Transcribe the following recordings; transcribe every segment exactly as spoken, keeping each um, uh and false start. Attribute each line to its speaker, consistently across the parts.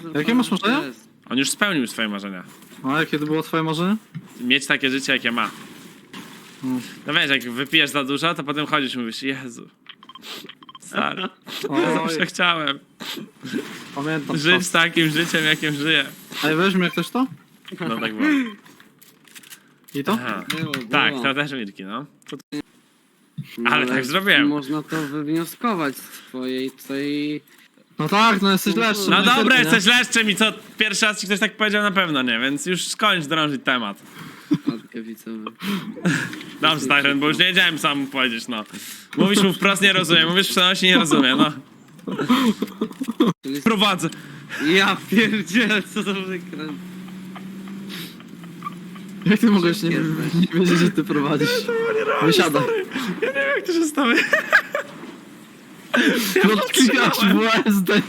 Speaker 1: Jakie masz marzenia?
Speaker 2: On już spełnił swoje marzenia.
Speaker 1: A jakie to było twoje marzenie?
Speaker 2: Mieć takie życie, jakie ma.
Speaker 1: Mm.
Speaker 2: No wiesz, jak wypijesz za dużo, to potem chodzisz i mówisz, Jezu. Stary, zawsze
Speaker 1: Oj,
Speaker 2: chciałem
Speaker 1: pamiętam
Speaker 2: żyć
Speaker 1: to.
Speaker 2: takim życiem, jakim żyję.
Speaker 1: Ej, weźmie ktoś to?
Speaker 2: No tak było.
Speaker 1: I to?
Speaker 2: Aha.
Speaker 3: Było, było.
Speaker 2: Tak, to też Mirki, no. To...
Speaker 3: No,
Speaker 2: ale tak zrobiłem.
Speaker 3: Można to wywnioskować z twojej tej...
Speaker 1: No tak, no jesteś lepszy.
Speaker 2: No
Speaker 1: i
Speaker 2: dobra,
Speaker 1: tyle, nie?
Speaker 2: jesteś leszczem i co pierwszy raz ci ktoś tak powiedział, na pewno nie, więc już skończ drążyć temat.
Speaker 3: Matkę widzowy.
Speaker 2: Dobrze, Tyron, bo już nie wiedziałem sam mu powiedzieć, no. Mówisz mu wprost, nie rozumiem, mówisz w przenosi, nie rozumiem, no.
Speaker 3: Czyli...
Speaker 2: Prowadzę.
Speaker 3: Ja pierdzielę, co to wykręt.
Speaker 1: Jak ty mogłeś nie,
Speaker 3: Jesteś.
Speaker 1: nie wiedzieć, że ty prowadzisz? Wysiadaj.
Speaker 2: Ja nie wiem, jak to się stało.
Speaker 1: No klikasz w S D.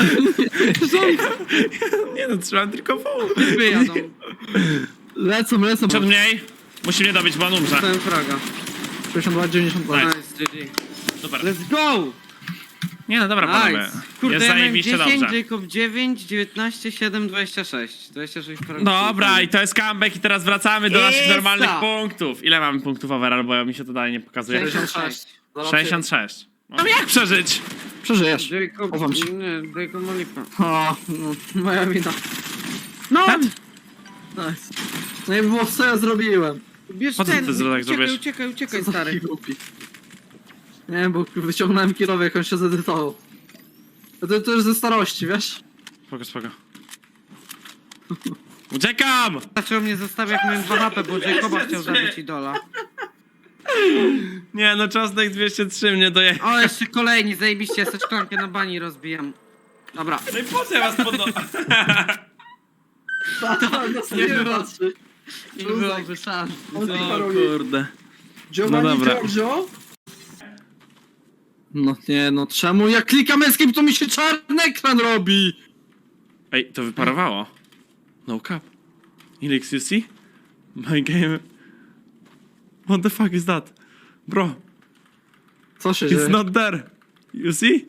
Speaker 2: Nie no, trzymam tylko pół.
Speaker 3: Wyjadą.
Speaker 1: Lecą, lecą.
Speaker 2: Przed mniej. Musi mnie dobić, bo on umrze.
Speaker 3: Dostałem fraga.
Speaker 1: sześćdziesiąt dwa dziewięćdziesiąt dwa.
Speaker 2: Nice.
Speaker 3: Nice, G G.
Speaker 2: Super.
Speaker 3: Let's go!
Speaker 2: Nie no, dobra, panowie.
Speaker 3: Nice. Kurde,
Speaker 2: Jest
Speaker 3: ja miałem
Speaker 2: zajebiście
Speaker 3: dziesięć,
Speaker 2: dobrze.
Speaker 3: Jacob dziewięć, dziewiętnaście, siedem, dwadzieścia sześć. dwadzieścia sześć fragów.
Speaker 2: Dobra, i to jest comeback i teraz wracamy do naszych
Speaker 3: Esa.
Speaker 2: normalnych punktów. Ile mamy punktów overall, bo mi się to dalej nie pokazuje.
Speaker 3: sześćdziesiąt sześć.
Speaker 2: sześćdziesiąt sześć. Mam jak przeżyć?
Speaker 1: Przeżyjesz.
Speaker 3: Jacob,
Speaker 1: Chowam się.
Speaker 3: nie, Jacob ma lipa.
Speaker 1: O, no, moja wina.
Speaker 3: No!
Speaker 2: Tak?
Speaker 1: Nice. No i było co ja zrobiłem.
Speaker 3: Bierz
Speaker 2: Po co
Speaker 3: ten,
Speaker 2: ty tak
Speaker 3: uciekaj,
Speaker 2: zrobisz?
Speaker 3: uciekaj, uciekaj,
Speaker 1: Co za
Speaker 3: stary.
Speaker 1: głupi. Nie wiem, bo wyciągnąłem kierowek, jak on się zedytował. To, to już ze starości, wiesz?
Speaker 2: Spoko, spoko. Uciekam!
Speaker 3: Zaczął mnie zostawiać, jak miałem dwa H P, bo Jacoba chciał zabić idola.
Speaker 2: Nie no, czosnek dwieście trzy mnie doje...
Speaker 3: O, jeszcze kolejni, zajebiście, ja sobie szklankę na bani rozbijam. Dobra.
Speaker 2: No i po co ja was podno...
Speaker 1: Nie było.
Speaker 3: Nie byłoby szans.
Speaker 2: O kurde.
Speaker 1: Giovanni
Speaker 2: No dobra.
Speaker 1: Giorgio? No nie, no czemu jak klikam escape, to mi się czarny ekran robi?
Speaker 2: Ej, to wyparowało. No cap. Ilix, you see? My game... What the fuck is that? Bro,
Speaker 1: Co się
Speaker 2: it's
Speaker 1: dzieje?
Speaker 2: not there. You see?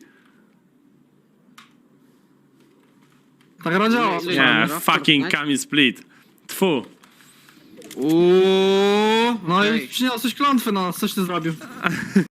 Speaker 1: Tak gra działa.
Speaker 3: Nie,
Speaker 2: Yeah,
Speaker 3: Dobra,
Speaker 2: fucking
Speaker 3: Fortnite.
Speaker 2: Kami split. Tfu.
Speaker 3: Uuuu.
Speaker 1: No
Speaker 3: Ej.
Speaker 1: i przyniosłeś klątwy na nas, coś ty zrobił.